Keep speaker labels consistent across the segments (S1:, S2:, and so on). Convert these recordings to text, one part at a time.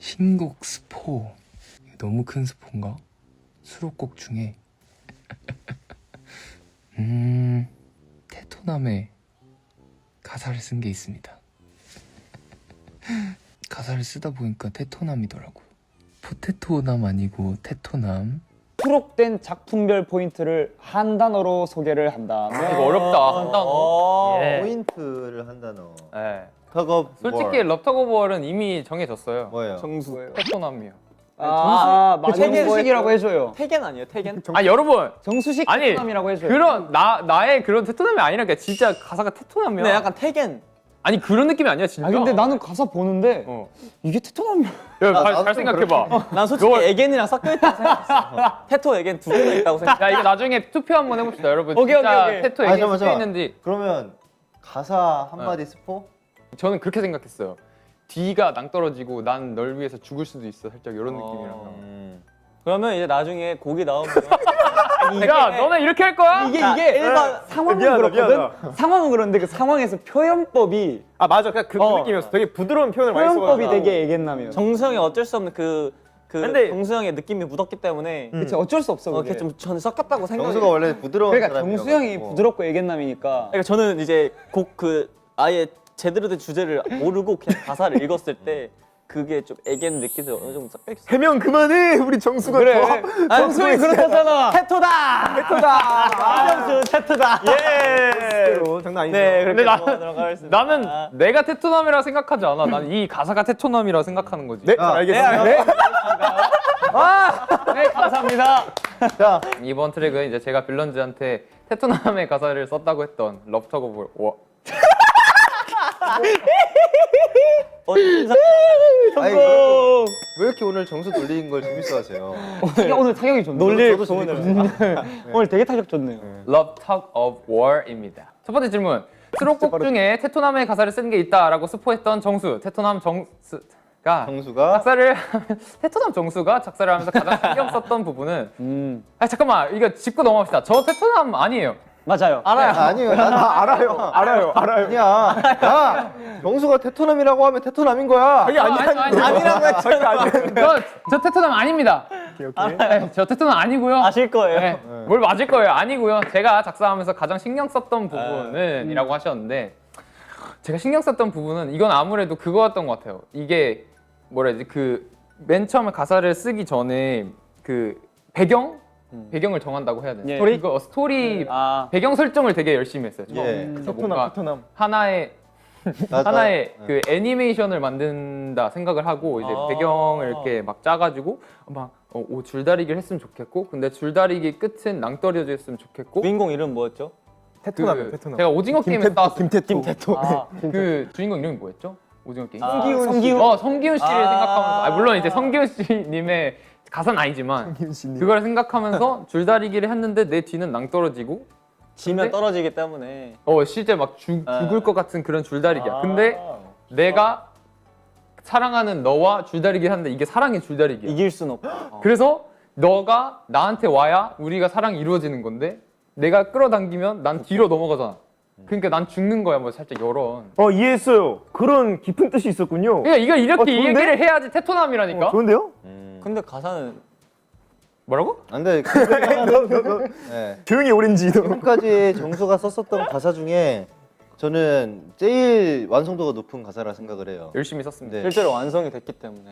S1: 신곡 스포. 너무 큰 스포인가? 수록곡 중에 테토남의 가사를 쓴 게 있습니다. 가사를 쓰다 보니까 테토남이더라고요. 포테토남 아니고 테토남.
S2: 수록된 작품별 포인트를 한 단어로 소개를 한다면
S3: 이거 어렵다. 한 단어. 예.
S4: 포인트를 한 단어.
S3: 예.
S4: 턱업
S3: 솔직히 럽터고 월은 이미 정해졌어요.
S4: 뭐예요?
S2: 정수.
S3: 테토남이요.
S2: 정수식이라고 해줘요.
S5: 태겐 아니에요? 태겐?
S3: 아 여러분,
S2: 정수식
S3: 아니,
S2: 테토남이라고 해줘요.
S3: 그런 나의 그런 테토남이 아니라 그냥 진짜 가사가 테토남이야.
S5: 근데 약간 태겐.
S3: 아니 그런 느낌이 아니야 진짜.
S2: 아 근데 나는 가사 보는데
S3: 어.
S2: 이게 테토남이야.
S3: 야,
S4: 나도
S3: 잘 생각해봐.
S5: 난 솔직히 에겐이랑 섞여있다고 생각했어. 테토 에겐 두 개나 있다고 생각.
S3: 야 이거 나중에 투표 한번 해봅시다 여러분.
S2: 오케이,
S3: 진짜
S2: 오케이, 오케이.
S3: 테토
S4: 아,
S3: 얘기
S4: 잠깐만,
S3: 섞여 있는지.
S4: 그러면 가사 한마디 스포?
S3: 저는 그렇게 생각했어요. 뒤가 낭떠러지고 난 널 위해서 죽을 수도 있어. 살짝 이런 느낌이라서.
S5: 그러면 이제 나중에 곡이 나오면
S3: 야 너네 이렇게 할 거야?
S2: 이게
S5: 일반
S2: 상황은
S6: 미안하다,
S2: 그렇거든.
S6: 미안하다.
S2: 상황은 그런데 그 상황에서 표현법이
S6: 아 맞아, 그냥 그 느낌이었어. 되게 부드러운 표현을 많이
S2: 표현법이
S6: 써가지고.
S2: 되게 애견남이에요.
S5: 정수형이 어쩔 수 없는 그
S6: 근데-
S5: 정수형의 느낌이 묻었기 때문에
S2: 그치 어쩔 수 없어. 그게.
S5: 그게 좀 저는 섞였다고 생각해요.
S4: 정수가 원래 부드러운
S2: 그러니까
S4: 사람이라고
S2: 정수형이
S4: 가지고.
S2: 부드럽고 애견남이니까.
S5: 그러니까 저는 이제 곡 그 아예 제대로 된 주제를 모르고 그냥 가사를 읽었을 때 그게 좀 애견 느낌이 어느 정도 섞여있어.
S6: 해명 그만해. 우리 정수가
S2: 그래.
S6: 더.
S2: 정수형이 그렇다잖아.
S5: 테토다! 정수 테토다!
S6: 예. 장난 아니죠.
S5: 네,
S3: 근데
S5: 그렇게
S3: 나-
S5: 넘어가도록 하겠습니다.
S3: 나는 내가 테토남이라 생각하지 않아. 난 이 가사가 테토남이라 생각하는 거지.
S6: 네, 알겠습니다.
S2: 네 감사합니다.
S4: 자,
S3: 이번 트랙은 이제 제가 빌런즈한테 테토남의 가사를 썼다고 했던 럽터고 월.
S4: 아니, 왜 이렇게 오늘 정수 돌리는 걸 재밌어하세요?
S2: 오늘 타격이 좋네.
S5: 놀릴
S4: 저도
S5: 소원을.
S2: 오늘 되게 타격 좋네요.
S3: Love Talk of War입니다. 첫 번째 질문. 수록곡 중에 테토남의 가사를 쓴 게 있다라고 스포했던 정수. 테토남 정수가
S4: 정수가
S3: 작사를 테토남 정수가 작사를 하면서 가장 신경 썼던 부분은 아 잠깐만 이거 짚고 넘어갑시다. 저 테토남 아니에요.
S2: 맞아요.
S5: 알아요.
S4: 아니에요. 알아요.
S6: 알아요.
S4: 아니야. 야, 정수가 테토남이라고 하면 테토남인 거야.
S3: 아니라고 했잖아. 저 테토남 아닙니다. 네, 저 테토남 아니고요.
S5: 아실 거예요.
S3: 네, 뭘 맞을 거예요. 아니고요. 제가 작사하면서 가장 신경 썼던 부분은 이라고 하셨는데 제가 신경 썼던 부분은 이건 아무래도 그거였던 것 같아요. 이게 뭐라 해야 되지? 그 맨 처음에 가사를 쓰기 전에 그 배경을 정한다고 해야 되나?
S2: 예.
S3: 스토리
S2: 아
S3: 배경 설정을 되게 열심히 했어요.
S4: 예.
S3: 그래서 뭔가
S6: 테토남.
S3: 하나의 그 애니메이션을 만든다 생각을 하고 이제 배경을 이렇게 막 짜가지고 막 줄다리기를 했으면 좋겠고 근데 줄다리기 끝은 낭떠러져 있으면 좋겠고
S5: 주인공 이름 뭐였죠?
S6: 테토남이요, 테토남.
S3: 제가 오징어 게임에서 나왔어요.
S6: 김태토.
S3: 그 주인공 이름이 뭐였죠? 오징어 게임.
S5: 성기훈.
S3: 성기훈 씨를 생각하면서 물론 이제 성기훈 씨님의 가사는 아니지만 그걸 생각하면서 줄다리기를 했는데 내 뒤는 낭떠러지고
S5: 지면
S3: 근데-
S5: 떨어지기 때문에
S3: 실제 막 죽을 것 같은 그런 줄다리기야. 근데 내가 사랑하는 너와 줄다리기를 하는데 이게 사랑의 줄다리기야.
S5: 이길 순 없고.
S3: 그래서 너가 나한테 와야 우리가 사랑이 이루어지는 건데 내가 끌어당기면 난 뒤로 넘어가잖아. 그러니까 난 죽는 거야. 뭐 살짝 이런.
S6: 이해했어요. 그런 깊은 뜻이 있었군요.
S3: 그러니까 이걸 이렇게
S6: 좋은데?
S3: 얘기를 해야지 테토남이라니까.
S6: 좋은데요?
S5: 근데 가사는
S3: 뭐라고?
S4: 안 돼. 네.
S6: 조용히 오렌지.
S4: 지금까지 정수가 썼었던 가사 중에 저는 제일 완성도가 높은 가사라 생각을 해요.
S3: 열심히 썼습니다.
S4: 네.
S5: 실제로 완성이 됐기 때문에.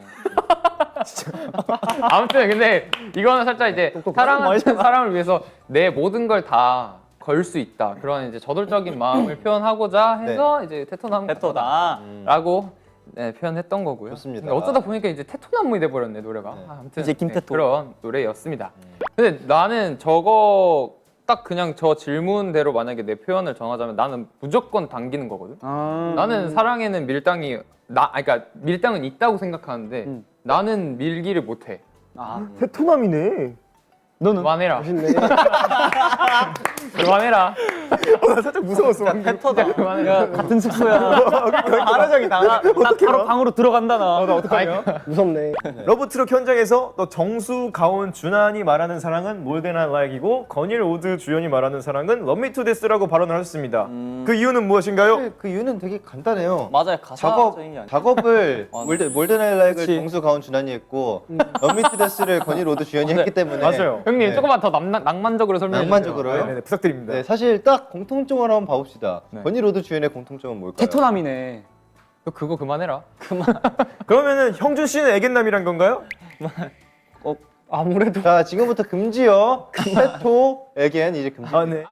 S3: 아무튼 근데 이거는 살짝 이제 사랑하는
S5: 말이잖아.
S3: 사람을 위해서 내 모든 걸 다 걸 수 있다. 그런 이제 저돌적인 마음을 표현하고자 해서 이제 테토남
S5: 테토다.
S3: 라고 표현했던 거고요.
S4: 좋습니다.
S3: 근데 어쩌다 보니까 이제 테토남이 돼버렸네 노래가.
S4: 네.
S3: 아무튼
S5: 이제 김테토.
S3: 그런 노래였습니다. 근데 나는 저거 딱 그냥 저 질문대로 만약에 내 표현을 정하자면 나는 무조건 당기는 거거든. 나는 사랑에는 밀당이 그러니까 밀당은 있다고 생각하는데 나는 밀기를 못해.
S6: 테토남이네.
S2: 너는
S3: 그만해라. 그만해라.
S6: 나 살짝 무서웠어.
S5: 패터다. 야 같은 숙소야.
S6: 아라장이다.
S5: 나 바로 방으로 들어간다 나.
S6: 나 어떡하냐?
S7: 무섭네.
S6: 러브트럭 현장에서 또 정수, 가온, 준환이 말하는 사랑은 More Than I Like이고 건일, 오드, 주연이 말하는 사랑은 Love Me To Death라고 발언을 하셨습니다. 그 이유는 무엇인가요?
S4: 사실 그 이유는 되게 간단해요.
S5: 맞아요. 가사적인 게 아니야.
S4: 작업을
S5: 맞아.
S4: 몰든 아이라이크를
S5: 그치.
S4: 정수, 가온, 준환이 했고 러미트데스를 건일, 오드, 주연이 했기 때문에
S6: 맞아요.
S3: 형님
S4: 네.
S3: 조금만 더 낭만적으로 설명해 주세요.
S4: 낭만적으로요?
S6: 네, 부탁드립니다.
S4: 네, 사실 딱 공통점을 한번 봐봅시다.
S3: 네.
S4: 건일, 오드, 주연의 공통점은 뭘까요?
S2: 테토남이네.
S3: 그거 그만해라.
S6: 그러면은 형준 씨는 애견남이란 건가요?
S7: 아무래도
S4: 자, 지금부터 금지요. 테토, 에겐 이제 금지.
S6: 아, 네.